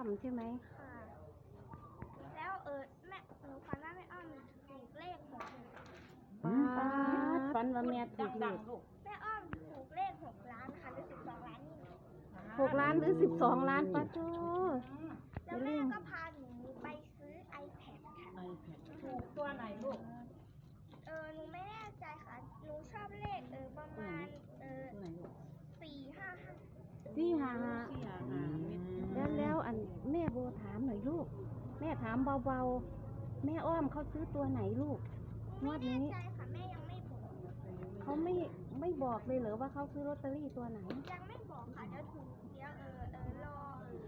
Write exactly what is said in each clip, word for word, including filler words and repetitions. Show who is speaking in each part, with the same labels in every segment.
Speaker 1: อมใช่ไหม
Speaker 2: ค่ะแล้วเออแม่หนูฝันว่าแม่อ้อมถูกเลขหก
Speaker 1: ป้าฝันว่าแม่ถูกเลข
Speaker 2: แม่อ้อมถูกเลขหกล้านค่ะหรือสิบสองล้านนี่
Speaker 1: หกล้านหรือสิบสองล้านป้าโจ
Speaker 2: แล้วแม่ก็พาหนูไปซื้อ iPad ค่ะ
Speaker 3: iPad ถูกตัวไหนลูก
Speaker 2: เออหนูไม่แน่ใจค่ะหนูชอบเลขเออประมาณเออสี่ห้าห้า
Speaker 1: สี่ห้าห้าแล้วแล้วอันแม่โบถามหน่อยลูกแม่ถามเบาๆแม่อ้อมเขาซื้อตัวไหนลูกงวดนี้
Speaker 2: ไม่แน่ใจค่ะแม่ยังไม่บอก
Speaker 1: เขาไม่ไม่บอกเลยเหรอว่าเขาซื้อลอตเตอรี่ตัวไหน
Speaker 2: ยังไม่บอกค่ะเดี๋ยวถูกเดี๋ยวเออเออรอเออ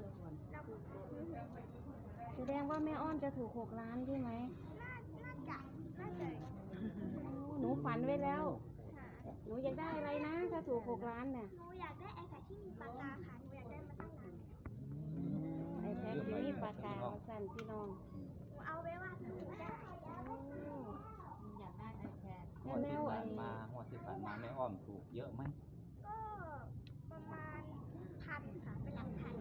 Speaker 1: แสดงว่าแม่อ้อมจะถูกหกล้านใช่ไหม
Speaker 2: น่าน่าจะน่าจะ
Speaker 1: หนูฝันไว้แล้วหนูอยากได้อะไรนะถ้าถูกหกล้านเนี่ย
Speaker 2: หนูอยากได้ไอแพดที่มีปากกาค่ะหนูอยากได้มาตั้งนาน
Speaker 1: ไอแพดที่มีปากกาสั่นพี่น้อง
Speaker 2: หนูเอาไว้ว่าหนูได้
Speaker 3: อยากได้ไอแพด
Speaker 4: หัวที่ผ่านมาหัวที่ผ่านมาแม่อ้อมถูกเยอะไหม
Speaker 2: ก็ประมาณพันค่ะเป็นหลักพัน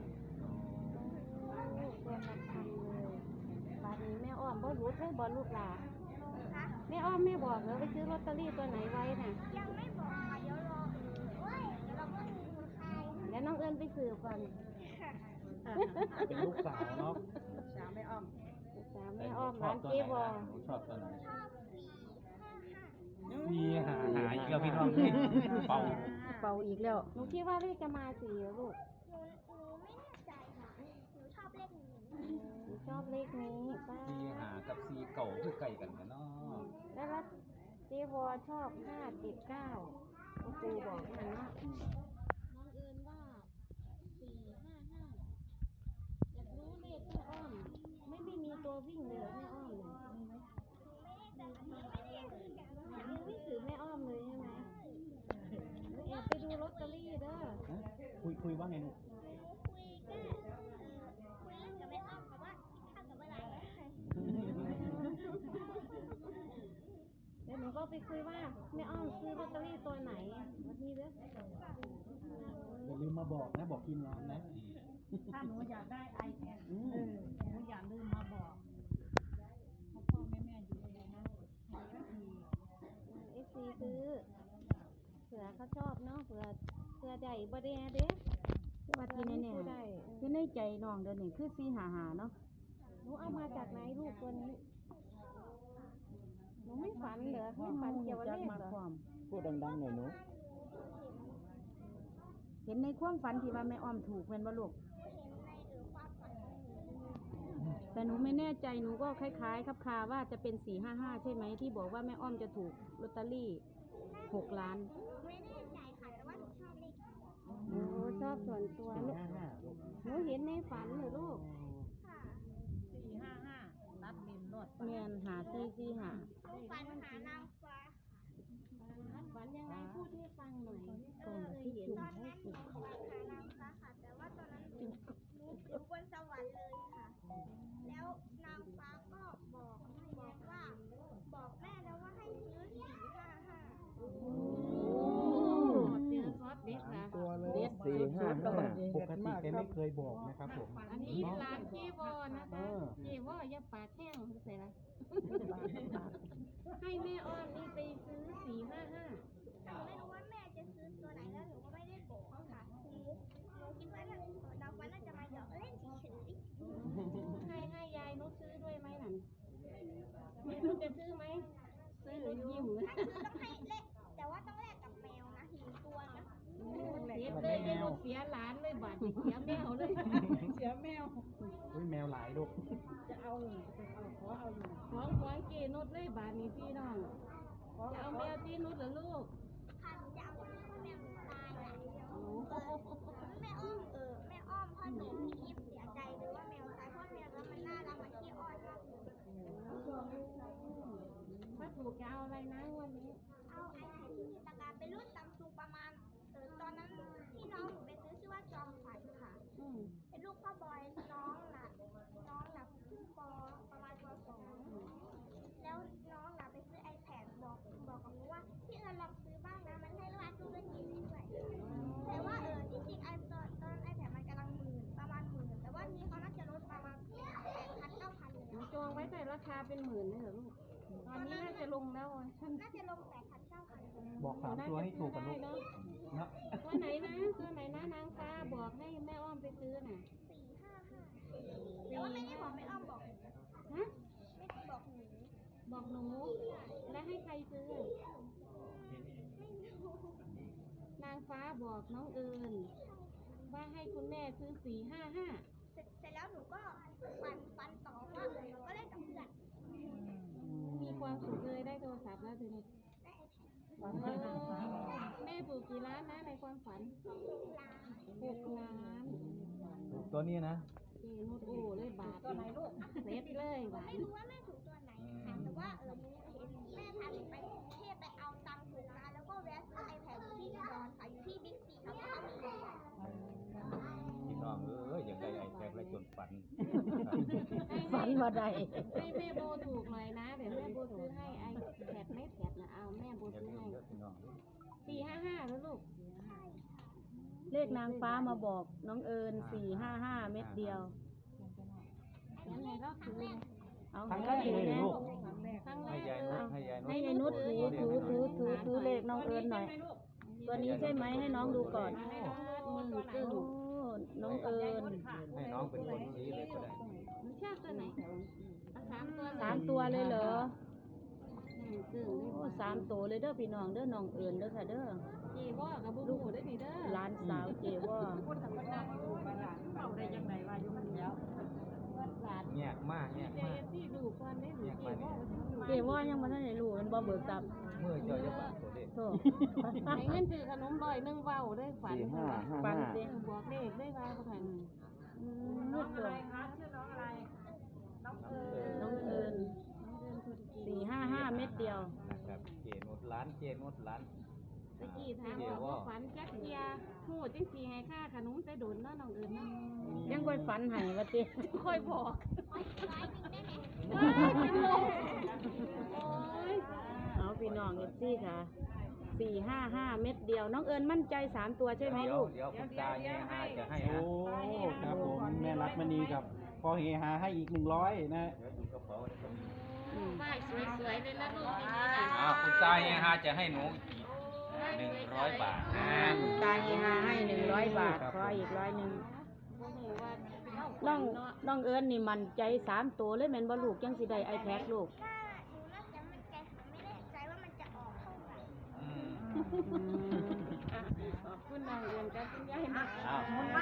Speaker 1: ตัวหลักพันเลยบาทนี้แม่อ้อมบ่รู้ใช่บ่ลูกหลานแม่อ้อมแม่บอกเหรอไปซื้อลอตเตอรี่ตัวไหนไว้น่ะ
Speaker 2: ยังไม่บอกค่ะเดี๋ยวรอเอ้ยเดี๋ยวเราก็มีคนใคร
Speaker 1: แล้วน้องเอิญไปสืบก่อน
Speaker 4: เป็นลูกสาวเนาะ
Speaker 3: สาวแม่อ้อม
Speaker 1: สาวแม่อ้อมร้านเจ๊บอ
Speaker 4: ชอบตัวไหน
Speaker 2: ชอบสี่ห้าห้า
Speaker 4: มีหาหาอีกแล้วพี่น้องเป่า
Speaker 1: เป่าอีกแล้วหนูคิดว่าเลขจะมาสี่ลูก
Speaker 2: หนูหนูไม่แน่ใจค่ะหนูชอบเลขนี้
Speaker 1: หนูชอบเลขนี้ป้า
Speaker 4: ซีหากับซีเก่าคือไก่กันกันเนาะ
Speaker 1: แล้วเจ๊บอชอบห้าเจ็ดเก้าครูบอกมันว่าน้องเอิญว่าสี่ห้าห้าอยากรู้เลขแม่อ้อมไม่ไม่มีตัววิ่งเลยแม่อ้อมเลยมีไหมยังไม่ถือแม่อ้อมเลยใช่ไหมแอบไปดูลอตเตอรี่เด้อ
Speaker 4: คุยคุยว่าไงหนู
Speaker 2: คุยก็คุยเล่นกับแม่อ้อมค่ะว่าข้าวกับอะไร
Speaker 1: เดี๋ยวหนูก็ไปคุยว่าแม่อ้อมซื้อลอตเตอรี่ตัวไหนวันนี้เด้อ
Speaker 4: อย่าลืมมาบอกนะบอกทีมงานนะ
Speaker 3: ถ้าหนูอยากได้ไอแพดเออหนูอย่าลืมมาบอกพ่อพ่อแม่แม่อยู่เลยนะ
Speaker 1: เอฟซีซื้อเผื่อเขาชอบเนาะเผื่อเผื่อใดบ่ได้เด้ว่าที่แน่ๆคือในใจน้องเดินนี่คือสี่หาหาเนาะหนูเอามาจากไหนลูกตัวนี้หนูไม่ฝันเหรอไม่ฝันเกี่ยวกับเลขเหรอ
Speaker 4: พูดดังๆหน่อยหนู
Speaker 1: เห็นในความฝันที่ว่าแม่อ้อมถูกเป็นบ่ลูกแต่หนูไม่แน่ใจหนูก็คล้ายๆครับคาว่าจะเป็นสี่ห้าห้าใช่ไหมที่บอกว่าแม่อ้อมจะถูกลอตเตอรี่หกล้าน
Speaker 2: ไม่แน่ใจค่ะแต่ว่าหนูชอบเลข
Speaker 1: โอ้ชอบส่วนตัวลูกหนูเห็นในฝันเลยลูก
Speaker 2: ค่ะ
Speaker 3: สี่ห้าห้าตัดดินรถ
Speaker 1: เมียนหาซีซีหา
Speaker 2: ฝันหานางฟ้า
Speaker 1: ฝันยังไงพูดให้ฟังหน่อย
Speaker 2: เออตอนนั้นหนูฝันหานางฟ้าค่ะแต่ว่าตอนนั้นหนูอยู่บนสวรรค์เลยค่ะแล้วนางฟ้าก็บอกบอกว่าบอกแม่แล้วว่าให้ซื้อสี่ห้าห้า
Speaker 1: เจอซอสเด็ดนะ
Speaker 4: ตัวเลยสี่ห้าห้าปกติแกไม่เคยบอกนะครับผม
Speaker 1: อันนี้ร้านเจวอนะคะเจวอย่าปากแห้งใส่ละให้แม่อ้อมนี่ไปซื้อสี่ห้าห้า
Speaker 2: หนูไม่รู้ว่าแม่จะซื้อตัวไหนแล้วหนูก็ไม่ได้บอกค่ะหนูหนูคิดว่าน่าน้องฟ้าน่าจะมาหยอกเล่นเฉย
Speaker 1: ๆให้ให้ยายนุชซื้อด้วยไหมหนังแม่นุชจะซื้อไหมซื้อยิ้ม
Speaker 2: ถ้าซื้อต้องให้เล่นแต่ว่าต้องแลกกับแมวนะหนึ่งตัวนะ
Speaker 1: เสียเลยได้ลูกเสียหลานเลยบาดเสียแมวเลย
Speaker 3: เสียแมว
Speaker 4: อุ้ยแมวหลายลูก
Speaker 3: จะเอาจะเอาขอเอาอยู่
Speaker 1: ของของเกนุชเลยบาดนี้พี่น้องจะเอาแมวที่นุชเหรอลูก
Speaker 2: ค่ะจะเอาแมวตายอ่ะแม่อ้อมเออแม่อ้อมพ่อหนูพี่อีฟเสียใจเลยว่าแมวตายเพราะแมวแล้วมันน่ารักมันขี้อ้อนมาก
Speaker 1: ถ้าถูกจะเอาอะไรนะวันนี้
Speaker 2: เอาไอแพดที่มีตะการเป็นรุ่นซัมซุงประมาณเออตอนนั้นที่น้องหนูไปซื้อชื่อว่าจอมขวัญค่ะเป็นลูกพ่อบอยน้องน่ะน้องน่ะขึ้นปประมาณปสองแล้วน้องน่ะไปซื้อ iPad บอกบอกกับหนูว่าพี่เอิญลองซื้อบ้างนะมันให้ราคาตู้เล่นเกมด้วยแต่ว่าเออที่จริงไอตอนตอน iPad มันกำลังหมื่นประมาณหมื่นแต่ว่านี้เขาน่าจะลด
Speaker 1: ราคาเป็นหมื่นเลยเหรอลูกตอนนี้น่าจะลงแล้วอ่ะท่าน
Speaker 2: น่าจะลงแปดพันเก้าพัน
Speaker 4: บอกสามตัวให้ถูกกันลูก
Speaker 1: เนาะ
Speaker 4: นะ
Speaker 1: ตัวไหนนะตัวไหนนะนางฟ้าบอกให้แม่อ้อมไปซื้อน่ะ
Speaker 2: สี่ห้าห้าแต่ว่าไม่ได้บอกไม่อ้อมบอก
Speaker 1: ฮะ
Speaker 2: ไม่ได้บอกหนู
Speaker 1: บอกหนูแล้วให้ใครซื้อ นางฟ้าบอกน้องเอิญว่าให้คุณแม่ซื้อสี่ห้าห้า
Speaker 2: เสร็จเสร็จแล้วหนูก็ฟันฟันต่อว่าหนูก็เล่นกับเพื่อน
Speaker 1: มีความสุขเลยได้โทรศัพท์แล้วทีนี้
Speaker 2: ได้ไอแพด
Speaker 1: เออแม่ถูกกี่ล้านนะในความฝัน
Speaker 2: ลา
Speaker 1: หกล้าน
Speaker 4: ตัวนี้นะ
Speaker 1: เจนุดโอ้เลยบาทตัวไหนลูกเซ็ตเลยบาท
Speaker 2: ไม่รู้ว่าแม่ถูกตัวไหนค่ะแต่ว่าเออหนูเห็นแม่พาหนูไปกรุงเทพไปเอาตังค์ถูกร้านแล้วก็แวะซื้อไอแพดอยู่ที่อุดรค่ะอยู่ที่บิ๊กซีครับเขามี
Speaker 5: พี่น้องเอ้ยอย่างไรไอ้แท็กและจนฝัน
Speaker 6: ฝันว่าใด
Speaker 1: ให้แม่โบถูกหน่อยนะเดี๋ยวแม่โบซื้อให้ไอแพดไม่แพดนะเอาแม่โบ
Speaker 5: อย่า
Speaker 1: ซื้อ
Speaker 5: ลืม
Speaker 1: ให้
Speaker 5: เด้อพี่น้อง
Speaker 1: สี่ห้าห้าแล้วลูก
Speaker 6: เลขนางฟ้ามาบอกน้องเอิญสี่ห้าห้าเม็ดเดียว
Speaker 1: ยังไงก็ถือ
Speaker 6: เอา
Speaker 4: ครั้งแร
Speaker 6: ก็
Speaker 4: ก
Speaker 6: ถือ
Speaker 4: เลยเหรอ
Speaker 6: นะ
Speaker 4: ลูก
Speaker 1: ครั้งแร
Speaker 5: ให้
Speaker 1: ก
Speaker 5: ยาย
Speaker 1: เล
Speaker 5: นุช
Speaker 1: ย
Speaker 5: ให้ยายนุช
Speaker 6: ให้ยายนุชถือถือถือถือถือเลขน้องเอิญหน่อย ตัวนี้ใช่ไหมให้น้องดูก่อน
Speaker 1: มือตึง
Speaker 6: โอ้น้องเอิญ
Speaker 5: ให้น้องเป็นคนชี้เลยก็ได้
Speaker 1: หนูชอบตัวไหนสามตัว
Speaker 6: สามตัวเลยเหรอ
Speaker 1: มือตึง
Speaker 6: โอ้สามตัวเลยเด้อพี่น้องเด้อน้องเอิญเด้อค่ะเด้อ
Speaker 1: จีว่ากับบุ้งได้ดีเด้อ
Speaker 6: ร้านสาวเจว่า
Speaker 5: แยกมากแยก
Speaker 1: เจ
Speaker 5: มาก
Speaker 1: ที่ดูก่อนได้หนูจีว่า
Speaker 6: เจว่ายังบ่ทันได้รู้มันบ่เบิกทรัพย์
Speaker 5: เมื่อเจอจะบาดตัวเด็ก
Speaker 6: โธ่
Speaker 1: ไอ้เงินซื้อขนมลอยนึ่งเว้าได้ฝัน
Speaker 6: ปันสิ
Speaker 1: บอกเลขได้ว่าประกัน
Speaker 6: อืมนุดตัวน้องเอิญสี่ห้าห้าเม็ดเดียว
Speaker 5: นะครับเจนุชร้านเจนุชร้าน
Speaker 1: ตะกี้ถามว่าฝันจักเทียหูจังสีให้ค่าขนมแต่โดนเนาะน้องเอิญเนาะ
Speaker 6: ยังค่อยฝันให้ว่าติ
Speaker 1: ค่อยบอก
Speaker 2: ร้ายหนึ่งได้ไหม
Speaker 1: โอ้ย
Speaker 6: เอาพี่น้องเอฟซีค่ะสี่ห้าห้าเม็ดเดียว น้องเอิญมั่นใจสามตัวใช่ไหม
Speaker 5: เดี๋ยว
Speaker 6: ลูก
Speaker 5: เดี๋ยวคุณตาแย่หาจะให้
Speaker 4: โอ้
Speaker 5: นะครับ
Speaker 4: ผมแม่รักมณีกับพอเฮฮาให้อีกหนึ่งร้อยนะ
Speaker 5: เดี๋ยวดูกระเป๋าเลยครับ
Speaker 1: ป้ายสวยๆเลยนะลูกอย่างนี้นะ
Speaker 5: อ้าวคุณตาแย่หาจะให้หนูอีกหนึ่งร้อยบาทนะ
Speaker 6: ตาเฮฮาให้หนึ่งร้อยบาทขออีกร้อยหนึ่ง
Speaker 1: บ่ฮู้ว่าเา
Speaker 6: น้อง
Speaker 1: เนาะ
Speaker 6: น้องเอิญนี่มั่นใจสามตัวเลยแม่นบ่ลูกจังสิได้ไอแพดลูก
Speaker 2: ถ้าหนูน่าจะมั่นใจหนูไม่แน่ใจว่ามันจะออกเท่าไหร่
Speaker 5: อืม
Speaker 6: อืม
Speaker 1: อ่ะขอบคุณน้องเอิญกับคุณยายนะ
Speaker 5: อ้าว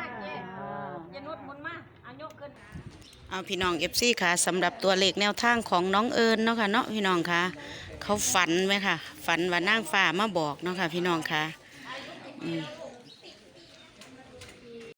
Speaker 6: เอาพี่น้อง เอฟ ซี ค่ะสำหรับตัวเลขแนวทางของน้องเอิญเนาะค่ะเนาะพี่น้องค่ะเขาฝันไหมค่ะ ฝันว่านางฟ้ามาบอกเนาะค่ะพี่น้องค่ะอืม